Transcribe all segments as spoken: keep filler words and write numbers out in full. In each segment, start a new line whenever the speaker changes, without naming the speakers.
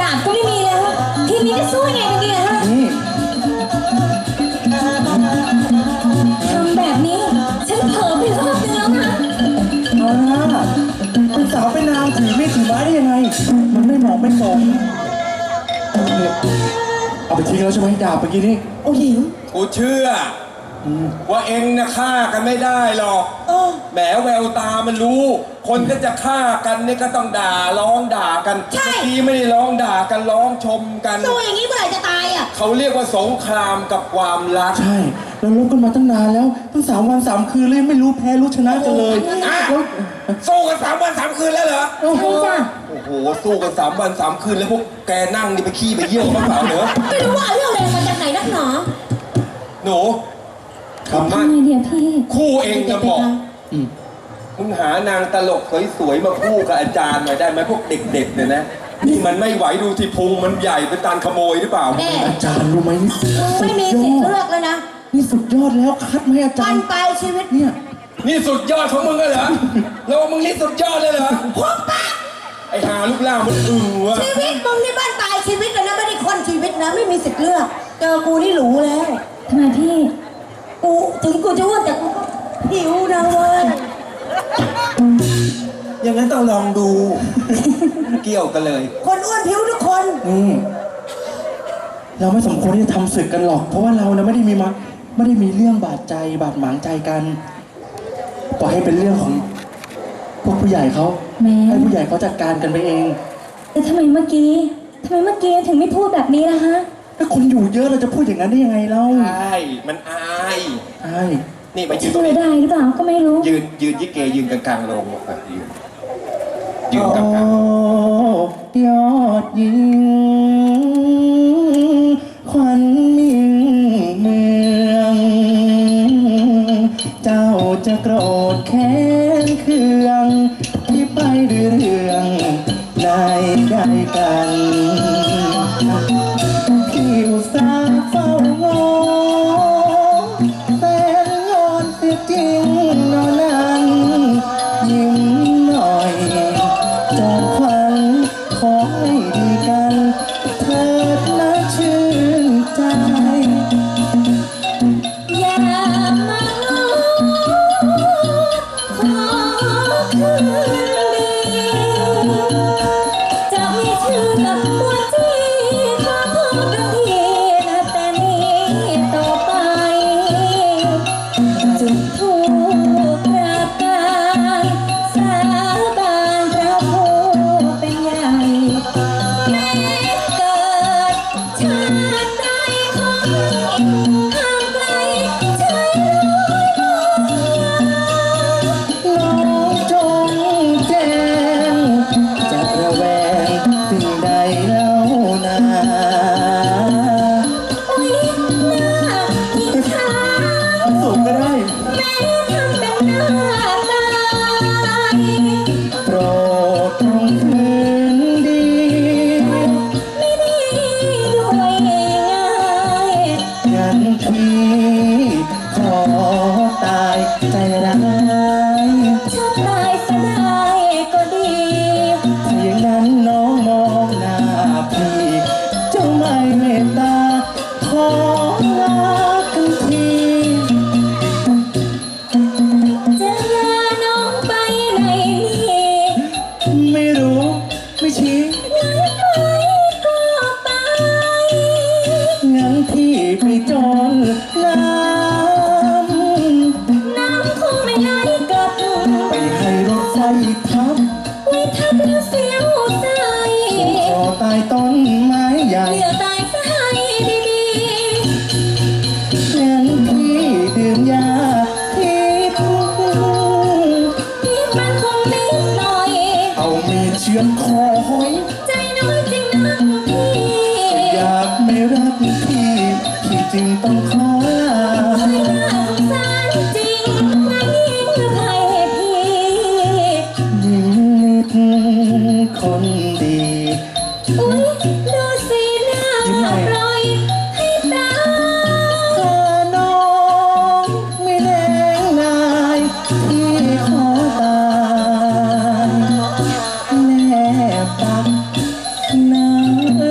าบก็ไม่มีแล้วทีนี้จะสู้ยังไงกันดีฮะทำแบบนี้ฉันเผลอไปรอบนึงแล้วนะ
เอาละเป็นสาวเป็นนางถือไม่ถือไม้ได้ยังไงมันไม่เหมาะไม่สมเอาไปทิ้งแล้วใช่ไหมดาบเมื่อกี้นี้
โอ้หิว
กูเชื่อว่าเองนะฆ่ากันไม่ได้หรอกแหมแววตามันรู้คนก็จะฆ่ากันนี่ก็ต้องด่าร้องด่ากันเมื่อกี้ไม่ได้ร้องด่ากันร้องชมกัน
สู้อย่างนี้เมื่อไหร่จะตายอ่ะ
เขาเรียกว่าสงครามกับความรัก
ใช่เราลบกันมาตั้งนานแล้วตั้งสามวันสามคืนเลยไม่รู้แพ้รู้ชนะกันเลย
แล้วสู้กันสามวันสามคืนแล้วเหรอ
ใช่จ้ะ
โอ้โหสู้กันสามวันสามคืนแล้วพวกแกนั่งนี่ไปขี้ไปเยี่ยวบ้างเปล่าเหรอ
ไม่รู้ว่าเรื่องอะไรมาจากไหนนักหนอ
หนู
ทำไมเดี๋ยวพี่
คู่เองจะบอกมึงหานางตลกสวยๆมาคู่กับอาจารย์หน่อยได้ไหมพวกเด็กๆเนี่ยนะนี่มันไม่ไหวดูที่พุงมันใหญ่เป็นตาขโมยหรือเปล่า
อาจารย์รู้ไหม
ไม่มีสิทธิ์เลือกเลยนะ
นี่สุดยอดแล้วคัดไหมอาจารย์
ไปชีวิต
เนี่ย
นี่สุดยอดของมึงเลยเหรอแล้วมึงนี่สุดยอดเลยเหรอ
พวกป้า
ไอ้หาลูกล่างมันอึ้งวะ
ชีวิตมึงนี่บ้านปลายชีวิตเลยนะไม่ได้คนชีวิตนะไม่มีสิทธิ์เลือกเจอกูนี่หรูแล้วทำไมพี่กูถึงกูจะอ้วนแต่กูหิวนะเว้ย
อย่างนั้นต้องลองดูเกี่ยวกันเลย
คนอ้วนผิวทุกคน
นี่เราไม่สมควรที่จะทำศึกกันหรอกเพราะว่าเรานะไม่ได้มีมาไม่ได้มีเรื่องบาดใจบาดหมางใจกันปล่อยให้เป็นเรื่องของพวกผู้ใหญ่เขาให้ผู้ใหญ่เขาจัดการกันไปเอง
แต่ทำไมเมื่อกี้ทำไมเมื่อกี้ถึงไม่พูดแบบนี้ล่ะฮะ
ถ้าคนอยู่เยอะเราจะพูดอย่างนั้นได้ยังไงเล่า
ใช่มันอาย
ใช่
นี่มายืน
ตรงนี้ได้หรือเปล่าก็ไม่รู้
ยืนยืนยี่เกยืนกลางๆลงแบบยืนยืนกลาง
ๆยอดยิงขวัญมิ่งเมืองเจ้าจะโกรธแค้นเคืองที่ไปเรื่องในใจกันที่อุตส่าห์เฝ้างอแต่งอนเสียจริงนอนนั้นยิ้มหน่อยจอมขวัญขอให้ดีกันเถิดนะชื่นใจ
อย่ามาง้อขอคืนดีจะมีชื่อกับตัวจีขอโทษทันทีนะแต่นี้ต่อไปจุดธูปกราบการสาบานพระผู้เป็นใหญ่แม้เกิดชาติใดขอห่างไกลชายร้อย
น้องจงแจ้งจะระแวงสิ่งใดเล่านา
โอ๊ยน่าอิจฉา
สูงก็ได้
แม้ทำเป็นหน้าตาย
โปรดจงคืนดี
ไม่ดีด้วยง่าย
งั้นพี่ขอตายใจร้าย
ถ้าตายซะได้ก็ดี
ถ้าอย่างนั้นน้องมองหน้าพี่เจ้าไม่เมตตาขอลากันที
จะลาน้องไปไหนนี่
ไม่รู้ไม่ชี้
งั้นไปก็ไป
งั้นพี่ไปจนน้
ำน้ำคงไม่ไหลกลับ
ำไปให้รถไฟทับ
ไว้ทับแล้วเสียวใจ
ขอตายต้นไม้ใหญ่
เหลือตายซะให้ดี
ๆงั้นพี่ดื่มยาพิษ
พี่มันคงนิดหน่อย
เอามีดเชือดคอหอย
ใจน้อยจริงนักพี่
อยากไม่รักพี่พี่จึงต้องขอลา
ไม่น่าสงสารจริงนะยิ่งให้พี่
ยิ่งนิดคนดี
อุ๊ยดูสิหน้าปล่อยให้ตาย
ถ้าน้องไม่แน่งนายพี่ขอตายแนบตักน้ำ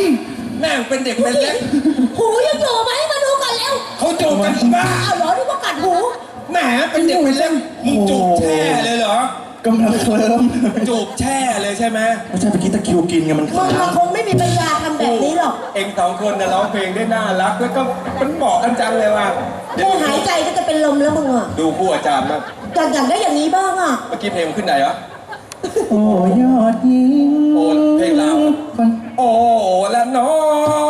แม่งเป็นเด็กเป็นเล็ก
หูยังอยู่ไหมมาดูก่อนแล้ว
เขาจูบกันอีบ้า
อ้าวเหรอนึกว่ากัดหู
แหมเป็นเด็กเป็นเล็กมึงจูบแช่เลยเหรอก
ำลังเคลิ้ม
จูบแช่เลยใช่ไหม
ไม่ใช่เมื่อกี้ตะคริวกินไงมัน
มึง
ค้า
มัน
ง
คงไม่มีปัญญาทำแบบนี้หรอก
เองสองคนน่ะร้องเพลงได้น่ารักแล้วก็มันเหมาะกันจังเลยว่ะเดี๋ยว
แค่หายใจก็จะเป็นลมแล้วมึงอ่ะ
ดูคู่อาจารย์นะ
อยากอยากได้อย่างนี้บ้างอ่ะ
เมื่อกี้เพลงมันขึ้นไหนวะ
โอ้ยอดยิง
โอ้เพลงลาว
คน
โอ้ละน้อง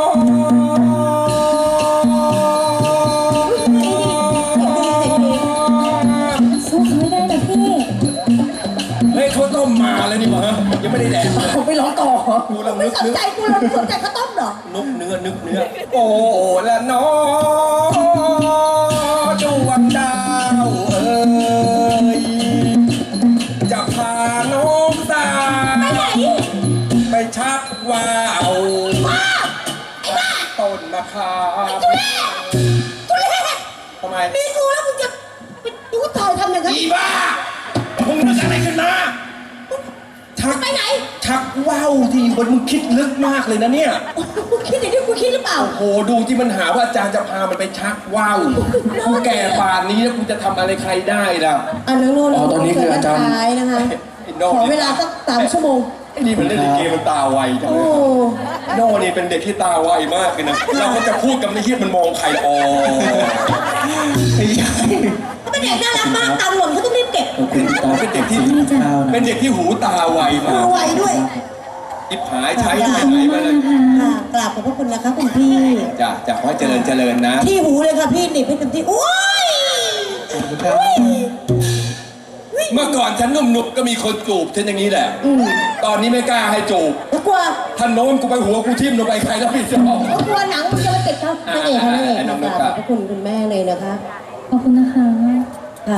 สู้เขาไม่ได้นะพี่
เฮ้ยเขาต้มมาแล้วนี่หว่ายังไม่ได้แดกเลย
ผมไปร้องต่อ
กูลัง
ไม่
นึก
สน
นึก
ใจกูเลยไม่สนใจข้าวต้มเหรอ
นึกเนื้อนึกเนื้อโอ้ละน้องดวงดาวเอ้ยจะพาน้องสาว
ไปไหน
ไปชักว่าว
ว้าไอ้บ้า
ต้นมะขาม
ทุเรศทุเรศ
ทำไม
มีกูแล้วมึงจะไปดูถอยทำอย่างนั้น
อีบ้ามึงนึกอะไรขึ้นมาชัก
ไปไหน
ชักว่าวที่บนมึงคิดลึกมากเลยนะเนี่ย
กูคิดอย่างที่กูคิดหรือเปล่า
โอ้โหดูที่มันหาว่าอาจารย์จะพามันไปชักว่าวกูแก่ป่านนี้แล้วกูจะทำอะไรใครได้ล่ะ
อันนั้นโน่น
อ๋อตอนนี้คืออาจารย์
ท้ายนะคะ
ไอ้โน่
ขอเวลาสักสามชั่วโมง
ไอ้นี่มันเล่นลิเกมันตาไวจัง
โอ้
เลยโน่นี่เป็นเด็กที่ตาไวมากเลยนะเราก็จะพูดกับในที่มันมองใครออ
ไม่ใช่
เขาเป็นเด็กน่ารักมากตาหล่นเขาต้องรีบเก็บ
ขอบคุณตา
เป็นเด็กที่
ข้าวนะ
เป็นเด็กที่หูตาไว
มื
มา
อกไวด้วย
อิบหายใช้ไปไหนมาเลย
ค่ะกราบขอบพระคุณนะคะคุณพี่
จ้ะจ้ะขอให้เจริญเจริญนะ
ที่หูเลยค่ะพี่หนิบให้เต็มที่โอ้ย
ขอบคุณครับ
เมื่อก่อนฉันหนุ่มๆก็มีคนจูบฉันอย่างนี้แหละ
อืม
ตอนนี้ไม่กล้าให้จูบ
แล้วกลัว
ท่านโน้มกูไปหัวกูทิ่มลงไปใครแล้วพี่จะบอก
แล้วกลัวหนังมันจะมาติดครับนางเอกค่ะนางเอกค่ะกราบขอบพระคุณคุณแม่เลยนะคะ
ขอบคุณนะคะ
ค่ะ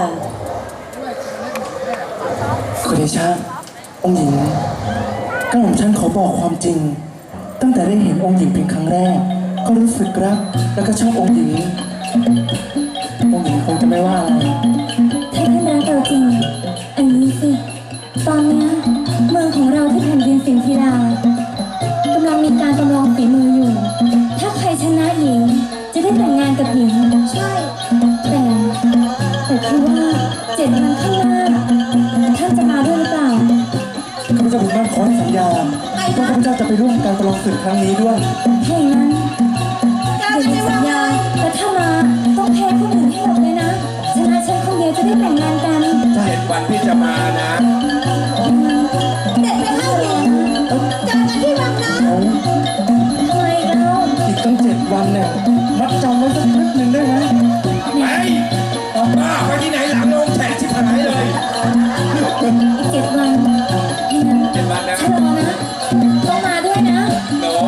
คุณเดชะองค์หญิงก็ผมฉันขอบอกความจริง ตั้งแต่ได้เห็นองค์หญิงเพียงครั้งแรก ก็รู้สึกรักแล้วก็ชอบองค์หญิง องค์หญิงคงจะไม่ว่าอะไร
ถ้าท่านรักเราจริงอันนี้สิ ตอนเนี้ยเมืองของเราที่แผ่นดินสิงธิรากำลังมีการประลองฝีมืออยู่ ถ้าใครชนะหญิง จะได้แต่งงานกับหญิง ใช่ แต่แต่คือว่าเจ็ดวันข้างหน้าท่านจะมาด้วยหรือเปล่า
ข้าพเจ้าบุญมากขอให้สัญญาว่าข้าพเจ้าจะไปร่วมการประลองศึกครั้งนี้ด้วย
ถ้าอย่างนั้นเดี๋ยวมีสัญญาแต่ถ้ามาต้องแพ้คนอื่นให้หมดเลยนะ ชนะฉันคนเดียวจะได้แต่งงานกัน
เจ็ดวันพี่จะมานะ
เด็กไปเข้าหญิงเจอกันที่วังนะ
เอา
ทำไมเรา
อีกตั้งเจ็ดวันเนี่ย มัดจำไว้สักนิดหนึ่งได้ไหม
ไปบ้าไปที่ไหนหลังโน้มแฉะชิบหายเลย
อีกเจ็ดวันให้นั้น
เจ็ดวันนะ
ฉันรอนะ ต้องมาด้วยนะ
โน้ม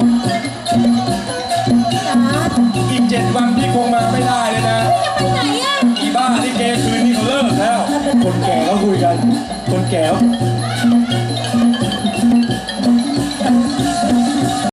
จ๋า
อีกเจ็ดวันพี่คงมาไม่ได้เลยนะ
จะไปไหนอ่ะ
อีบ้าที่เกคืนนี้เขาเลิกแล้ว
คนแก่ก็คุยกัน คนแก่